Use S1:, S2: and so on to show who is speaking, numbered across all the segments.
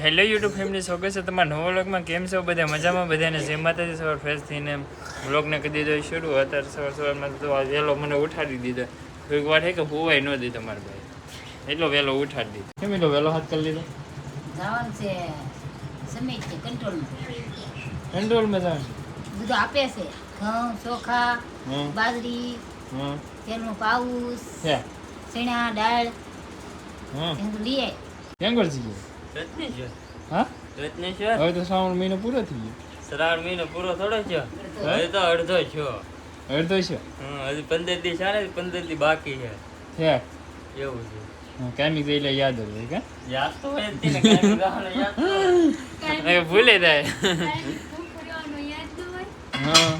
S1: Hello YouTube family, સ્વાગત છે તમારા નવા વ્લોગમાં. કેમ છો બધા? મજામાં? બધાને જય માતાજી. સવાર ફ્રેશ થઈને વ્લોગને કરી દીધો શરૂ. અત્યારે સવારમાં તો વહેલો મને ઉઠાડી દીધો. કોઈક વાર છે કે હોવાય ન દીધો મારા ભાઈ, એટલો વહેલો ઉઠાડી દીધો. કેમ એટલો વહેલો હાથ કરી લીધો?
S2: જવાનું છે સમિત છે કંટ્રોલમાં.
S1: કંટ્રોલમાં જવાનું
S2: બધું આપે છે, ઘઉં ચોખા બાજરી તેલનું પાઉસ ચણા દાળ એનું લઈ આય.
S1: કેમ કરજી ગયો?
S3: રત્નેશ્વર.
S1: હા,
S3: રત્નેશ્વર.
S1: હવે તો શ્રાવણ મહિનો પૂરો થઈ ગયો.
S3: શ્રાવણ મહિનો પૂરો થોડો થયો, હવે તો અડધો થયો.
S1: અડધો છે.
S3: હજી 15 દી છે ને, 15 દી બાકી છે. એવું છે.
S1: કામી ગઈ એટલે યાદ હોય કે
S3: યાદ તો હોય જ તે ને, કાંઈ ગાવાનો યાદ તો હોય.
S1: હવે ભૂલે જાય. હા,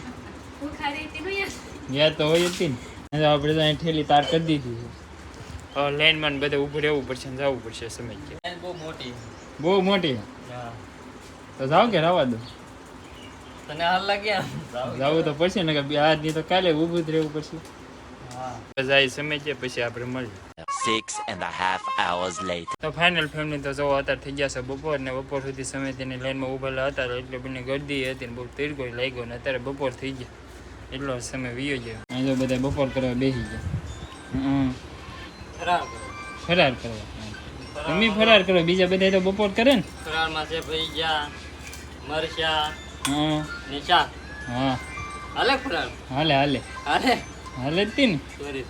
S1: યાદ તો હોય જ ને. આપણે તો અહીં ઠેલી તાર કરી દીધી છે. હવે લાઈનમાં બધે ઊભું રહેવું પડશે ને જવું પડશે સમય કે
S3: લાઈન બહુ મોટી.
S1: બહુ મોટી.
S3: હા,
S1: તો જાવ કે રવા દો?
S3: તને હાલ લાગ્યા?
S1: જવું તો પડશે ને, કે આજની તો કાલે ઊભું જ રહેવું પડશે.
S3: હા,
S1: જાય સમય છે, પછી આપણે મળીએ.
S4: 6.5 hours later.
S1: તો ફાઇનલ ફેમિલી તો જો અત્યારે થઈ ગયા છે બપોર, ને બપોર સુધી સમય તેની લાઈનમાં ઊભેલા હતા એટલે બંને ગરદી હતી ને બહુ તીરકો લાગ્યો, ને અત્યારે બપોર થઈ ગયા એટલો સમય વીયો ગયો. અહીં જો બધા બપોર કરવા બેસી ગયા. ફરાર કરવા તમે ફરાર કરો, બીજા બધા તો બપોર કરે ને.
S3: ફરાળમાં છે ભજીયા, મરચા
S1: હા
S3: ને શાક.
S1: હા,
S3: હાલે ફરાળ?
S1: હાલે હાલે
S3: હાલે.
S1: હાલે જ તી ને.
S3: સોરી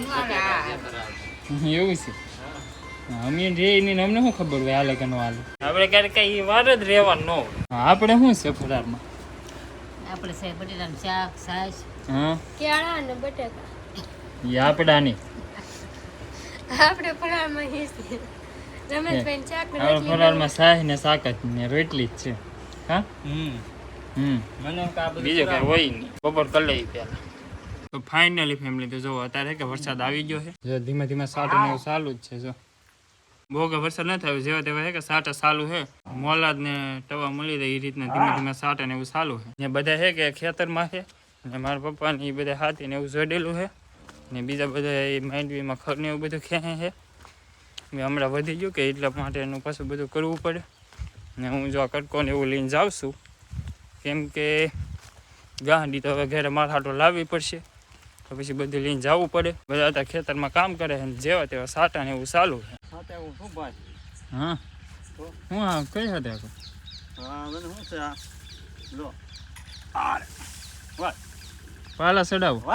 S1: એવું છે. અમે રેની અમને શું ખબર હોય હાલે કે ન હાલે. આપણે ક્યારેક કઈ વાર જ રહેવાનું ન હોય. આપણે શું છે ફરારમાં?
S2: આપણે છે બટેટાનું શાક, છાશ,
S1: હા,
S5: કેળા અને બટાકા.
S1: એ આપડાની.
S5: આપણે ફરાળમાં હિસ્સે રમેશભાઈ શાક ને
S1: આપણે
S5: રોટલી
S1: ફરારમાં શાહ ને શાક જ ને રોટલી જ છે. હા,
S3: મને કા બધું
S1: બીજું કઈ હોય નહીં. બપોર કરી લઈ પેલા. તો ફાઇનલી ફેમિલી તો જો અત્યારે કે વરસાદ આવી ગયો છે. જો ધીમે ધીમે સાટો ને એવું ચાલુ જ છે. જો બહુ કે વરસાદ ન થયો, જેવા તેવા છે કે સાટા ચાલુ છે. મોલાદ ને ટવા મળી જાય એ રીતના ધીમે ધીમે સાટા ને એવું ચાલુ છે. ને બધા છે કે ખેતરમાં છે, ને મારા પપ્પા ને એ બધા હાથી ને એવું જોડેલું છે, ને બીજા બધા એ માંડવીમાં ખર ને એવું બધું ખેંચે છે. મેં હમણાં વધી ગયું કે એટલા માટે એનું પાછું બધું કરવું પડે. ને હું જો આ કટકો ને એવું લઈને જાઉં છું, કેમ કે ગાંડી તો હવે ઘરે માથાટો લાવવી પડશે, તો પછી બધું લઈને જવું પડે. બધા અત્યારે ખેતરમાં કામ કરે છે, જેવા તેવા સાટા ને એવું ચાલુ છે. હા, હું હા કઈ હતા પાલા ચડાવો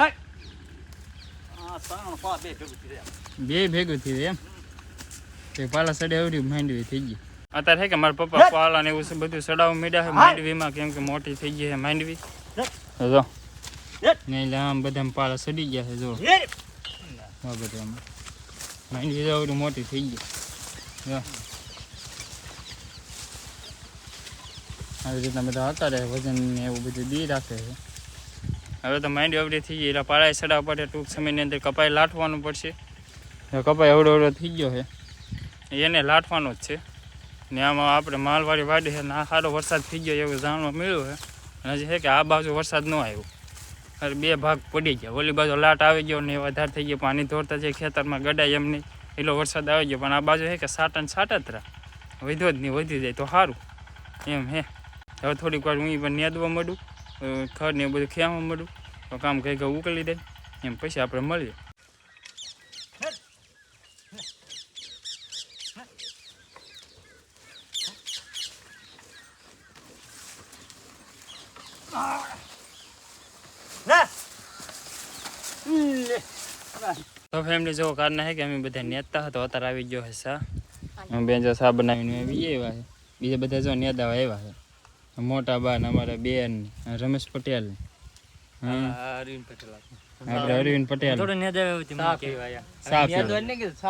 S1: બે ભેગું થયું એમ. પાલા ચડે એવડી માંડવી થઈ ગઈ. અત્યારે છે કે મારા પપ્પા પાલા ને એવું બધું ચડાવવા માંડ્યા છે માંડવીમાં, કેમ કે મોટી થઈ ગઈ છે માંડવી. જો ને એટલે આમ બધા પાલા ચડી ગયા છે. જો બધામાં માંડવી એવડી મોટી થઈ ગઈ. જો આવી રીતના બધા હતા રહે, વજન ને એવું બધું દી રાખે છે. હવે તો માંડવી એવડી થઈ ગઈ એટલે પાળાએ ચડાવવા પડે. ટૂંક સમયની અંદર કપાઈ લાટવાનું પડશે. કપાઈ એવડો થઈ ગયો છે, એને લાટવાનો જ છે. ને આમાં આપણે માલવાળી વાડી છે ને આ સારો વરસાદ થઈ ગયો એવું જાણવા મળ્યું છે. હજી છે કે આ બાજુ વરસાદ ન આવ્યો, અરે બે ભાગ પડી ગયા. ઓલી બાજુ લાટ આવી ગયો ને વધારે થઈ ગયો, પાણી ધોરતા જાય ખેતરમાં ગડાય એમ નહીં એટલો વરસાદ આવી ગયો. પણ આ બાજુ છે કે સાટા ને સાટા જ રહ્યા, વધ્યો જ નહીં, વધી જાય તો સારું એમ હે. હવે થોડીક વાર હું પણ નેદવા મળું, ખડ ને એવું બધું ખેવા મળું, તો કામ કંઈક ઉકલી દે એમ, પછી આપણે મળીએ. તો ફેમિલી જો કારના છે કે અમે બધા નેતા હતા, અત્યારે આવી ગયો છે સા. અમે બે જો સા બનાવીને આવી એવા છે. બીજા બધા જો નેતા આવ્યા છે. મોટા બા ને અમારા બેન રમેશ પટેલ,
S3: અરવિંદ પટેલ.
S1: આપણે અરવિંદ પટેલ. ચા પીવા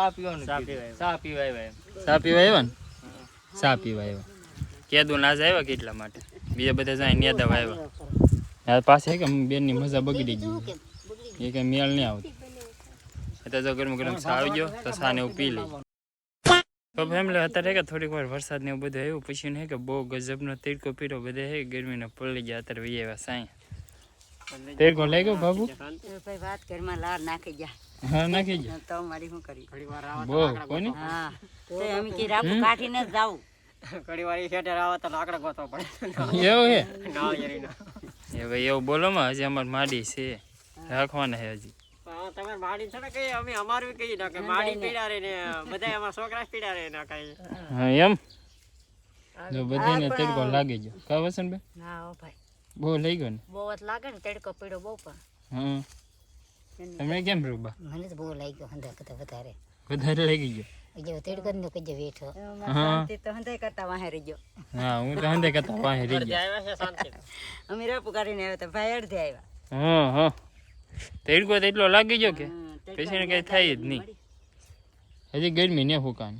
S1: આવ્યા ને, ચા પીવા આવ્યા. કેદું નાજ આવ્યા કે એટલા માટે. બીજા બધા જાય નેતા આવ્યા. પાસે કે બેનની મજા બગડી ગઈ, એ કઈ મેળ નહીં આવતો. એટલે જો ગરમ ગરમ ચા આવી ગયો તો ચા ને એવું પી લઈ. તો ફેમિલી અત્યારે કે થોડીક વાર વરસાદ ને એવું બધું આવ્યું, પછી ને કે બહુ ગજબનો તીડકો પીરો, બધા હે ગરમીને પડી ગયા. અત્યારે વી આવ્યા સાંઈ. તીડકો લઈ ગયો બાબુ?
S2: ભાઈ વાત ઘરમાં લાર નાખી ગયા.
S1: હા નાખી ગયા
S2: તો મારી શું કરી
S1: બહુ કોની.
S2: હા તો અમે કે રાપુ કાઢીને જ જાવું.
S6: ઘણી વાર ઈ શેઠે આવે તો લાકડા ગોતવા પડે
S1: એવું હે
S6: નાળિયેરીના.
S1: એ ભાઈ એવું બોલો માં હજી અમારે માડી છે રાખવાના છે હજી
S6: પણ તમે માડી છે ને કઈ અમે અમારું કઈ ના કે માડી પીડા રે ને બધા એમાં છોકરા પીડા રે ના કઈ.
S1: હા એમ જો બધાને તડકો લાગી ગયો કા વસન બે
S2: ના હો ભાઈ
S1: બહુ લઈ ગયો ને
S2: બહુ જ લાગે ને તડકો પીડો બહુ પણ
S1: હા તમે કેમ રૂબા
S2: મને તો બહુ લાગ્યો હંધા કરતા વધારે
S1: વધારે લાગી ગયો
S2: જે તડકો નો કજે બેઠો
S1: હા
S2: તો હંધા કરતા વાહે રહી ગયો
S1: હા હું તો હંદે કરતા વાહે રહી ગયો
S6: આવ્યા છે શાંતિ.
S2: અમે રેપુ કરીને આવ્યા તો ભાઈ અડધે આવ્યા
S1: હા હા તડકો તો એટલો લાગી ગયો કે પછી કઈ થાય જ નહીં હજી ગરમી ને ફૂકાની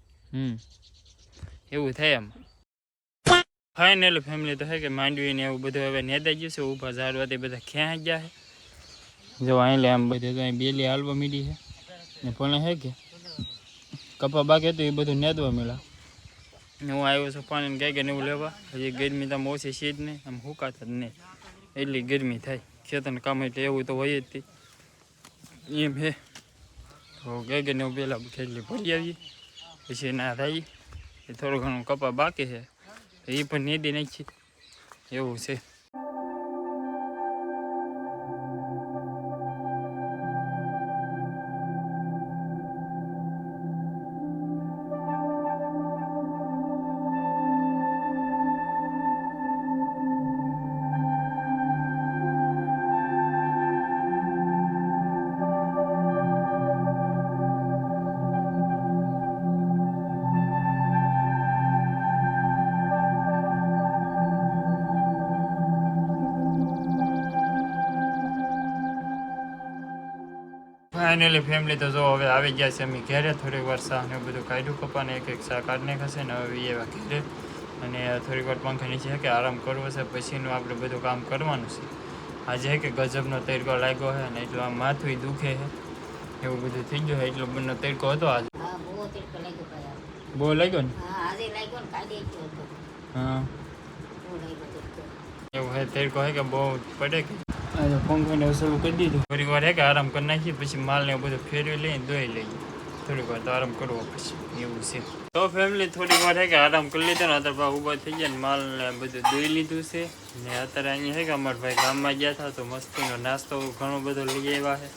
S1: એવું થાય એમ ફાઇનલ ફેમિલી તો હે કે માંડવી ને એવું બધું હવે નેતા ગયું છે ઊભા ઝાડવાથી બધા ક્યાં ગયા છે જો અહીં આમ બધે તો અહીં બેલી હાલવા મીડી છે ને પણ હે કે કપા બાકી હતું એ બધું નેદવા મળ્યા ને હું આવ્યો છું પાણી ગાય કે એવું લેવા હજી ગરમી તો આમ ઓછી છે જ નહીં આમ હુકાતા જ નહીં એટલી ગરમી થાય ખેતરનું કામ એટલે એવું તો હોય જ તે એમ હે તો ગાય કે એવું પહેલાં ખેતલી ભરી આવીએ પછી ના થાય એ થોડું ઘણું કપા બાકી છે એ પણ નેદી નાખી એવું છે ફાઇનલી ફેમિલી તો જો હવે આવી ગયા છે અમે ઘેરે થોડીક વાર શાહ ને બધું કાઢ્યું કપાને એક શાહ કાઢી નાખશે ને હવે એવા ઘેરે અને થોડીક વાર પંખા નીચે કે આરામ કરવો છે પછીનું આપણે બધું કામ કરવાનું છે આજે કે ગજબનો તડકો લાગ્યો છે ને એટલું આમ માથું દુખે છે એવું બધું થઈ ગયું છે એટલો બંને તડકો હતો આજે
S2: હા બહુ તડકો લાગ્યો ભાઈ
S1: બહુ લાગ્યો ને
S2: હા આજે લાગ્યો ને કાલે ગયો હતો
S1: હા
S2: બહુ લાગ્યો તડકો
S1: એવું હે તડકો હે કે બહુ પડે કે આજે પંખોને શરૂ કરી દીધું થોડીક વાર હે કે આરામ કરી નાખીએ પછી માલને બધું ફેરવી લઈને ધોઈ લઈએ થોડીક વાર તો આરામ કરવો પછી એવું છે તો ફેમિલી થોડીક વાર હે કે આરામ કરી લીધો ને અત્યારે ઊભા થઈ ગયા ને માલને બધું ધોઈ લીધું છે ને અત્યારે અહીંયા હે કે અમારા ભાઈ ગામમાં ગયા હતા તો મસ્તીનો નાસ્તો ઘણો બધો લઈ આવ્યા છે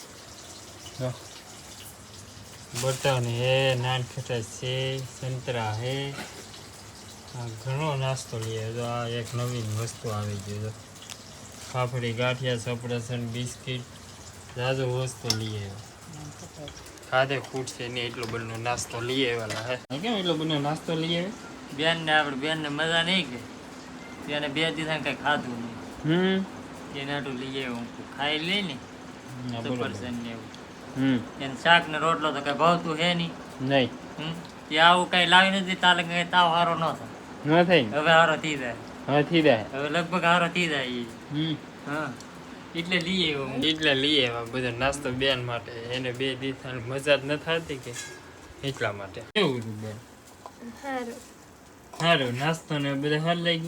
S1: બર્તન હે નાન ખટાશ છે સંતરા હે ઘણો નાસ્તો લઈ આવ્યો આ એક નવીન વસ્તુ આવી ગઈ તો ફાફડી ગાંઠિયા સપરસન બિસ્કિટ જાજો વસ્તુ લઈ આવ્યો ખાધે ખૂટશે નહીં એટલો બધો નાસ્તો લઈ આવેલા હે કેમ એટલો બધો નાસ્તો લઈ આવ્યો
S3: બેન ને આપણે બેન ને મજા નહીં કે તેને 2 દિવસ કઈ ખાધું નહીં એને આટલું લઈ આવ્યો હું ખાઈ લઈ ને સફરજન ને એવું એને શાક ને રોટલો તો કઈ ભાવતું હે નહીં તે આવું કઈ લાવી નથી તાલે કઈ તાવ હારો ન થાય
S1: ન થાય
S3: હવે હારો થઈ જાય
S1: હા થઈ જાય
S3: હવે લગભગ હારો થઈ જાય ઈ. હા એટલે લઈ આવ્યો હું.
S1: એટલે લઈ આવ્યા બધો નાસ્તો બેન માટે એને 2 દિવસ મજા જ ન થતી કે એટલા માટે કેવું હતું બેન
S5: સારું
S1: સારું નાસ્તો ને બધું સારું લાગ્યું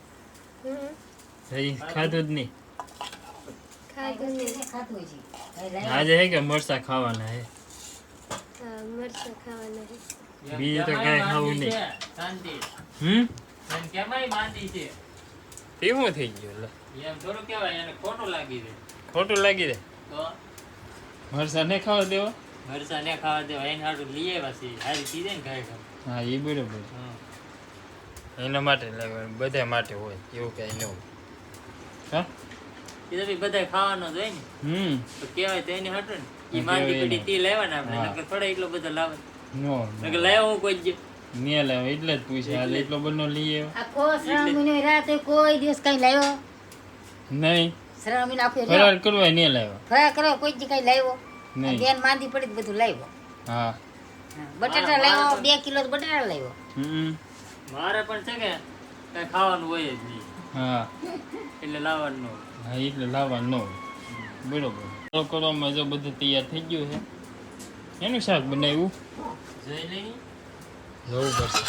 S1: હજી ખાધું જ નહીં
S5: ખાધું નહીં
S2: ખાતું છે
S1: આજે હે કે મરચા ખાવાના હે
S5: હા મરચાં ખાવાના છે
S1: બીજું તો કાંઈ ખાવું નહીં
S3: શાંતિ
S1: હમ
S3: એને કેમાંય માંદી છે
S1: તેવું થઈ ગયું લે
S3: એમ થોડું કહેવાય એને ખોટું લાગી દે
S1: ખોટું લાગી દે
S3: તો
S1: મરચા ને ખાવા દેવા
S3: મરસા ને ખાવા દેવા એને હાટું લઈ આવ્યા છે હારી થઈ જાય ને ખાઈ
S1: હા એ બરોબર
S3: હા
S1: એના માટે લાગવાનું બધા માટે હોય એવું કઈ ન હોય હા
S3: એ તો બી બધા ખાવાનો જ હોય ને તો કહેવાય તો એને હાટું ને એ માંદી પડી તે લાવ્યા ને આપણે નકર થોડા એટલો બધો લાવે
S1: નો
S3: નકર લાવ્યો હું કોઈ જ
S1: ને લાવ એટલે જ પૂછે હાલ એટલો બધો લઈ આવ્યો
S2: આખો શ્રાવણ મહિનો રાતે કોઈ દિવસ કઈ લાવ્યો
S1: નહીં
S2: શ્રાવણ મહિનો આખો
S1: ફરાર કરવા નહીં લાવ્યો
S2: ફરા કરવા કોઈ જ કઈ લાવ્યો
S1: નહીં
S2: બેન માંદી પડી તો બધું લાવ્યો
S1: હા
S2: બટાટા લાવ્યો 2 કિલો બટાટા લાવ્યો
S3: મારે પણ છે કે કઈ ખાવાનું હોય જ નહીં
S1: હા
S3: એટલે લાવવાનું ન હોય.
S1: હા એટલે લાવવાનું ન હોય બરોબર ચાલો કરવામાં જો બધું તૈયાર થઈ ગયું છે એનું શાક બનાવ્યું
S3: જોઈ લઈ
S1: જોવું પડશે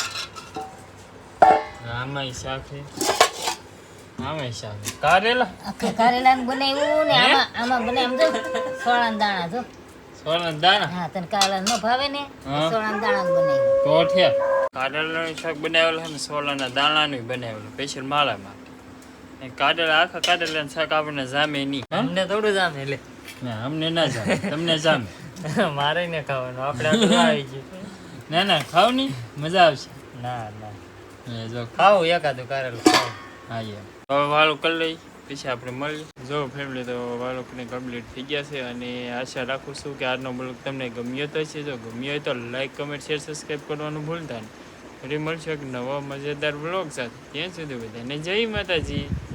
S1: આમાંય શાક છે આમાંય શાક છે કારેલા
S2: આખે કારેલાનું બનાવ્યું ને આમાં બનાવ્યું જો સોળાના દાણા જો
S1: સોળાના દાણા
S2: હા તને કાળા ન ભાવે ને
S1: હા.
S2: સોળાના દાણા બનાવ્યું
S1: તો ઠ્યા કારેલાનું શાક બનાવેલું છે ને સોલાના દાણાનું બનાવેલું સ્પેશિયલ માળા માટે કારેલા આખા કારેલાનું શાક આપણને જામે નહીં હા?
S3: અમને થોડું જામે એટલે
S1: ના અમને ના જામે તમને જામે
S3: મારે ને ખાવાનું આપણે આટલું આવી ગયું
S1: ના ના ખાવ નહીં મજા આવશે
S3: ના ના
S1: એ જો
S3: ખાવું એકાદું કારેલું ખાવું
S1: હા યાર હવે વાળું કરી લઈ પછી આપણે મળીએ જો ફેમિલી તો વાળું કમ્પ્લીટ થઈ ગયા છે અને આશા રાખું છું કે આજનો બ્લોગ તમને ગમ્યો તો છે જો ગમ્યો હોય તો લાઈક કમેન્ટ શેર સબસ્ક્રાઈબ કરવાનું ભૂલતા નહીં ફરી મળશું એક નવો મજેદાર બ્લોગ સાથે ત્યાં સુધી બધાને જય માતાજી.